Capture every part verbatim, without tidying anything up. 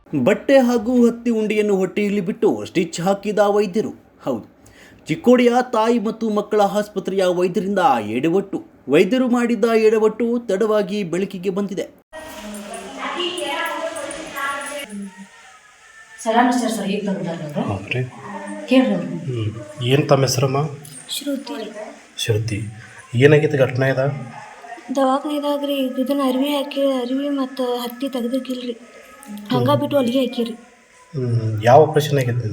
ಬಟ್ಟೆ ಹಾಗೂ ಹತ್ತಿ ಉಂಡೆಯನ್ನು ಹೊಟ್ಟೆಯಲ್ಲಿ ಬಿಟ್ಟು ಸ್ಟಿಚ್ ಹಾಕಿದ ವೈದ್ಯರು. ಹೌದು, ಚಿಕ್ಕೋಡಿಯ ತಾಯಿ ಮತ್ತು ಮಕ್ಕಳ ಆಸ್ಪತ್ರೆಯ ವೈದ್ಯರಿಂದ ಎಡವಟ್ಟು. ವೈದ್ಯರು ಮಾಡಿದ್ದ ಎಡವಟ್ಟು ತಡವಾಗಿ ಬೆಳಕಿಗೆ ಬಂದಿದೆ. ಏನು ತಮ್ಮ ಹೆಸರಮ್ಮ? ಶ್ರುತಿ. ಶ್ರುತಿ, ಏನಾಗೈತೆ ಘಟನೆ ಇದ? ದವಾಖಾನಿದಾಗ ರೀ ಇದನ್ನ ಅರಿವಿ ಹಾಕಿ ಅರಿವಿ ಮತ್ತು ಹತ್ತಿ ತೆಗ್ದಕ್ಕಿಲ್ರಿ, ಹಂಗೆ ಬಿಟ್ಟು ಅಲ್ಲಿಗೆ ಹಾಕಿರಿ. ಯಾವ ಆಪ್ರೇಷನ್ ಆಗೈತೆ?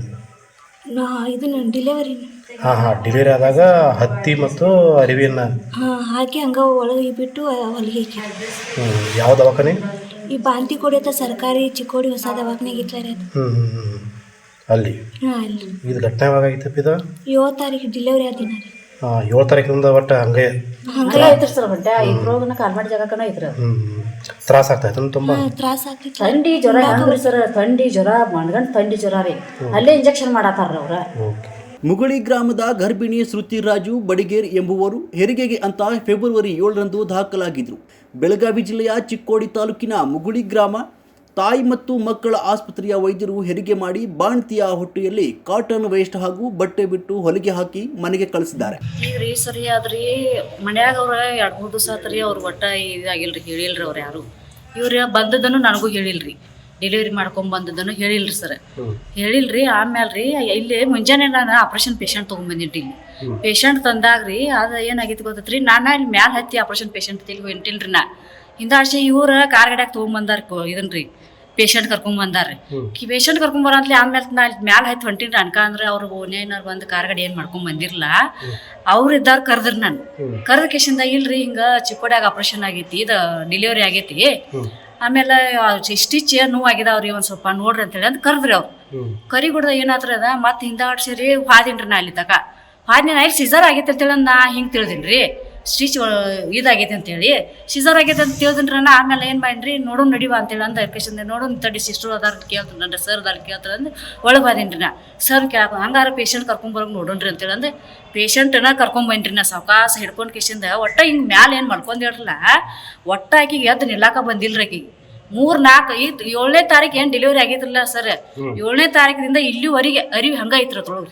ನಾ ಇದನ್ನ ಡಿಲೆವರಿ. ಹಾಂ ಹಾಂ ಡಿಲಿವರಿ ಆದಾಗ ಹತ್ತಿ ಮತ್ತು ಅರಿವಿನ ಹಾಂ ಹಾಕಿ ಹಂಗೆ ಒಳಗೆ ಬಿಟ್ಟು ಹೊಲಿಗೆ ಹಾಕಿರಿ. ಹ್ಞೂ ಯಾವ ದವಾಖಾನೆ? ಈ ಬಾಂತಿ ಕೊಡಿಯತ್ತ ಸರ್ಕಾರಿ ಚಿಕ್ಕೋಡಿ ಹೊಸ ದವಾಖಾನೆಗೆ ಇಟ್ಲಾರಿ ಅದು. ಹ್ಞೂ ಹ್ಞೂ ಹ್ಞೂ ಅಲ್ಲಿ. ಹಾಂ ಅಲ್ಲಿ. ಇದು ಘಟನೆ ಯಾವಾಗ ಆಗೈತಪ್ಪ ಇದು? ಏಳು ತಾರೀಕು ಡಿಲೆವರಿ ಆದಿನ ರೀ. ಹಾಂ ಏಳು ತಾರೀಕಿನಿಂದ ಒಟ್ಟು ಹಂಗೆ ಹಂಗೆ ಐತ್ರಿ ಸರ್. ಬಟ್ಟೆ ಇಬ್ರೋಗನ ಕಾಲ್ಮಾಡಿ ಜಾಗಕ್ಕನ ಐತ್ರಿ. ಹ್ಞೂ ತ್ರಾಸ ಆಗ್ತಾಯ್ತು ತುಂಬ? ತ್ರಾಸ ಆಗ್ತಿತ್ತು. ಥಂಡಿ ಜ್ವರ ಹೆಂಗ್ರಿ ಸರ್? ಥಂಡಿ ಜ್ವರ ಮಣ್ಗಂಡ್ ಥಂಡಿ ಜ್ವರ ರೀ. ಅಲ್ಲೇ ಇಂಜೆಕ್ಷನ್ ಮಾಡತ್ತಾರ ಅವ್ರ. ಓಕೆ. ಮುಗುಳಿ ಗ್ರಾಮದ ಗರ್ಭಿಣಿ ಶ್ರುತಿ ರಾಜು ಬಡಿಗೇರ್ ಎಂಬುವರು ಹೆರಿಗೆಗೆ ಅಂತ ಫೆಬ್ರವರಿ ಏಳರಂದು ದಾಖಲಾಗಿದ್ದರು. ಬೆಳಗಾವಿ ಜಿಲ್ಲೆಯ ಚಿಕ್ಕೋಡಿ ತಾಲೂಕಿನ ಮುಗುಳಿ ಗ್ರಾಮ ತಾಯಿ ಮತ್ತು ಮಕ್ಕಳ ಆಸ್ಪತ್ರೆಯ ವೈದ್ಯರು ಹೆರಿಗೆ ಮಾಡಿ ಬಾಣ್ತಿಯ ಹೊಟ್ಟೆಯಲ್ಲಿ ಕಾಟನ್ ವೇಸ್ಟ್ ಹಾಗೂ ಬಟ್ಟೆ ಬಿಟ್ಟು ಹೊಲಿಗೆ ಹಾಕಿ ಮನೆಗೆ ಕಳಿಸಿದ್ದಾರೆ. ಈಗ ರೀ ಸರಿ ಆದ್ರಿ ಮನ್ಯಾಗ ಅವ್ರ ಎರಡು ಮೂರು ದಿವಸ ಆತ್ರಿ ಅವ್ರ ಒಟ್ಟ ಇದಾಗಿಲ್ರಿ, ಹೇಳಿಲ್ರಿ ಅವ್ರು ಯಾರು. ಇವ್ರ ಬಂದದನ್ನು ನನಗೂ ಹೇಳಿಲ್ರಿ, ಡೆಲಿವರಿ ಮಾಡ್ಕೊಂಡ್ ಬಂದದನ್ನು ಹೇಳಿಲ್ರಿ ಸರ್. ಹೇಳಿಲ್ರಿ. ಆಮೇಲೆ ರೀ ಇಲ್ಲಿ ಮುಂಜಾನೆ ನಾನು ಆಪ್ರೇಷನ್ ಪೇಷಂಟ್ ತೊಗೊಂಡ್ಬಂದಿನ್ರಿ. ಇಲ್ಲಿ ಪೇಷಂಟ್ ತಂದಾಗ್ರಿ ಅದು ಏನಾಗೈತಿ ಗೊತ್ತೈತ್ರಿ, ನಾನು ಇಲ್ಲಿ ಮ್ಯಾಲೆ ಹತ್ತಿ ಆಪ್ರೇಷನ್ ಪೇಷಂಟ್ ತಿಳಿ ಹೊಂಟಿಲ್ರಿ. ನಾ ಹಿಂದಾಶೆ ಇವ್ರ ಕಾರ್ ಗಡ್ಯಾಗ ತೊಗೊಂಬಂದಾರ ಇದನ್ರಿ ಪೇಷಂಟ್ ಕರ್ಕೊಂಡ್ ಬಂದಾರ್ರಿ. ಪೇಷಂಟ್ ಕರ್ಕೊಂಡ್ ಬರಂತ್ಲಿ ಆಮೇಲೆ ನಾ ಇಲ್ಲಿ ಮ್ಯಾಲೆ ಹತ್ತಿ ಹೊಂಟಿನ್ರಿ. ಅನ್ಕ ಅಂದ್ರೆ ಅವ್ರು ಓನೇನಾರು ಬಂದು ಕಾರ್ ಗಡಿ ಏನು ಮಾಡ್ಕೊಂಡ್ ಬಂದಿರಲ್ಲ. ಅವ್ರು ಇದ್ದಾರ ಕರೆದ್ರಿ. ನಾನು ಕರೆದ ಕೇಶಿಂದ ಇಲ್ರಿ ಹಿಂಗ ಚಿಕ್ಕೋಡ್ಯಾಗ ಆಪ್ರೇಷನ್ ಆಗೈತಿ, ಇದು ಡೆಲಿವರಿ ಆಗೈತಿ, ಆಮೇಲೆ ಸ್ಟಿಚ್ ನೋವು ಆಗಿದಾವ್ರಿ, ಒಂದ್ ಸ್ವಲ್ಪ ನೋಡ್ರಿ ಅಂತೇಳಿ ಅಂತ ಕರೆದ್ರಿ. ಅವ್ರು ಕರಿಗುಡ್ದ ಏನಾದ್ರಿ ಅದ ಮತ್ತೆ ಹಿಂದಾಡ್ಸಿರಿ ಹಾದಿನ್ರಿ. ನಾ ಅಲ್ಲಿ ತಕ ಹಾದಿನ ನಾ ಇಲ್ಲಿ ಸಿಜರ್ ಆಗೈತೆ ಅಂತೇಳಿ ನಾ ಹಿಂಗೆ ತಿಳಿದಿನ್ರಿ. ಸ್ಟಿಚ್ ಇದಾಗೈತೆ ಅಂತೇಳಿ ಸಿಜರ್ ಆಗೈತೆ ಅಂತ ತಿಳಿದ್ರಿ. ನಾ ಆಮೇಲೆ ಏನು ಮಾಡಿನ್ರಿ, ನೋಡೋಣ ನಡಿವ ಅಂತೇಳಿ ಅಂದ ಕೇಶಂದ ನೋಡೋಣ ತಡಿ ಸಿಸ್ಟರ್ ಅದಾರ ಕೇಳ್ತಾರೆ, ನನ್ನ ಸರ್ ಅದಾರ ಕೇಳ್ತಾರೆ ಅಂದ್ರೆ ಒಳಗೆ ಬಾದೇನ್ರಿ. ನಾ ಸರ್ ಕೇಳಕ ಹಂಗಾರ ಪೇಷಂಟ್ ಕರ್ಕೊಂಬರೋಕೆ ನೋಡೋಣ್ರಿ ಅಂತೇಳಿ ಅಂದ್ರೆ ಪೇಷಂಟನ್ನ ಕರ್ಕೊಂಬನ್ರಿ. ನಾ ಸಾವಕಾಸ ಹಿಡ್ಕೊಂಡು ಕೇಶಂದ ಒಟ್ಟ ಹಿಂಗೆ ಮ್ಯಾಲೆ ಏನು ಮಾಡ್ಕೊಂಡಿರಲ್ಲ, ಒಟ್ಟ ಆಕಿಗೆ ಎದ್ದು ನಿಲ್ಲಾಕ ಬಂದಿಲ್ರಿ. ಆಕಿಗೆ ಮೂರ್ ನಾಲ್ಕು ಐದು ಏಳನೇ ತಾರೀಕು ಏನು ಡೆಲಿವರಿ ಆಗೈತ್ರಲ್ಲ ಸರ್, ಏಳನೇ ತಾರೀಕಿನಿಂದ ಇಲ್ಲಿವರೆಗೆ ಅರಿವಿ ಹಂಗ ಐತ್ರ ತೊಳಗ್ರಿ.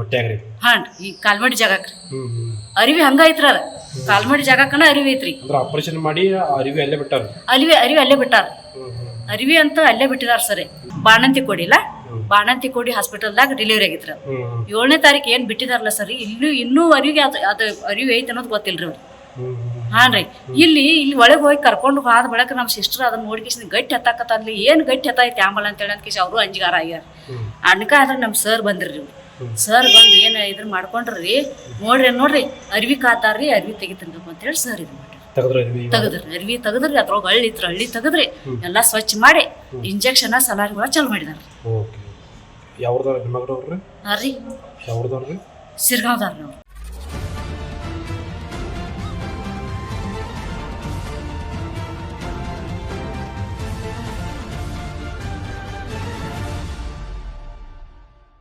ಹಾಂ ಈ ಕಾಲ್ಮಡಿ ಜಾಗಕ್ರಿ ಅರಿವಿ ಹಂಗ ಐತ್ರ. ಅದ ಕಾಲ್ಮಡಿ ಜಾಗಕ್ಕನ ಅರಿವಿ ಐತ್ರಿ. ಆಪರೇಷನ್ ಮಾಡಿ ಅರಿವಿ ಅಲ್ಲೇ ಬಿಟ್ಟಾರ. ಅರಿವಿ ಅರಿವಿ ಅಲ್ಲೇ ಬಿಟ್ಟಾರ. ಅರಿವಿ ಅಂತ ಅಲ್ಲೇ ಬಿಟ್ಟಿದಾರ ಸರ್. ಬಾಣಂತಿ ಕೊಡಿಲ್ಲ, ಬಾಣಂತಿ ಕೊಡಿ ಹಾಸ್ಪಿಟಲ್ದಾಗ ಡೆಲಿವರಿ ಆಗಿತ್ರ. ಏಳನೇ ತಾರೀಕು ಏನ್ ಬಿಟ್ಟಿದಾರಲ್ಲ ಸರ್, ಇಲ್ಲೂ ಇನ್ನೂ ಅರಿವಿಗೆ ಅದು ಅದು ಅರಿವಿ ಐತೆ ಅನ್ನೋದು ಗೊತ್ತಿಲ್ರಿ ಅವ್ರು. ಹಾನ್ ರೀ ಇಲ್ಲಿ ಇಲ್ಲಿ ಒಳಗೆ ಹೋಗಿ ಕರ್ಕೊಂಡು ಹೋದ ಬಳಕ ನಮ್ಮ ಸಿಸ್ಟರ್ ಅದನ್ನ ನೋಡ್ಕೇಸಿ ಗಟ್ಟಿ ಹತ್ತಾಕತ್ತಲ್ಲಿ ಏನು ಗಟ್ಟಿ ಹತ್ತೈತಿ ಆಂಬಲ್ ಅಂತೇಳಿ ಅಂತ ಕೇಸಿ ಅವರು ಅಂಜಿಗಾರ ಆಗ್ಯಾರ. ಅನ್ಕ ಆದ್ರೆ ನಮ್ಮ ಸರ್ ಬಂದ್ರಿ. ಸರ್ ಬಂದು ಏನು ಇದ್ರ ಮಾಡ್ಕೊಂಡ್ರಿ, ನೋಡ್ರಿ ನೋಡ್ರಿ ಅರಿವಿ ಕಾತಾರ್ರಿ, ಅರಿವಿ ತೆಗಿತಂಗಪ್ಪ ಅಂತೇಳಿ ಸರ್ ಇದು ಮಾಡ್ರಿ. ತೆಗದ್ರಿ ಅರಿವಿ ತೆಗದ್ರಿ, ಅದ್ರೊಳಗೆ ಹಳ್ಳಿ ಇತ್ರ ಹಳ್ಳಿ ತೆಗದ್ರಿ, ಎಲ್ಲ ಸ್ವಚ್ಛ ಮಾಡಿ ಇಂಜೆಕ್ಷನ್ ಸಲಾರಿಗಳ ಚಾಲು ಮಾಡಿದಾರ. ಯಾವ್ದಾರ ಹಾಂ ರೀ ಸಿರ್ಗಾವ್ದಾರ ನಾವು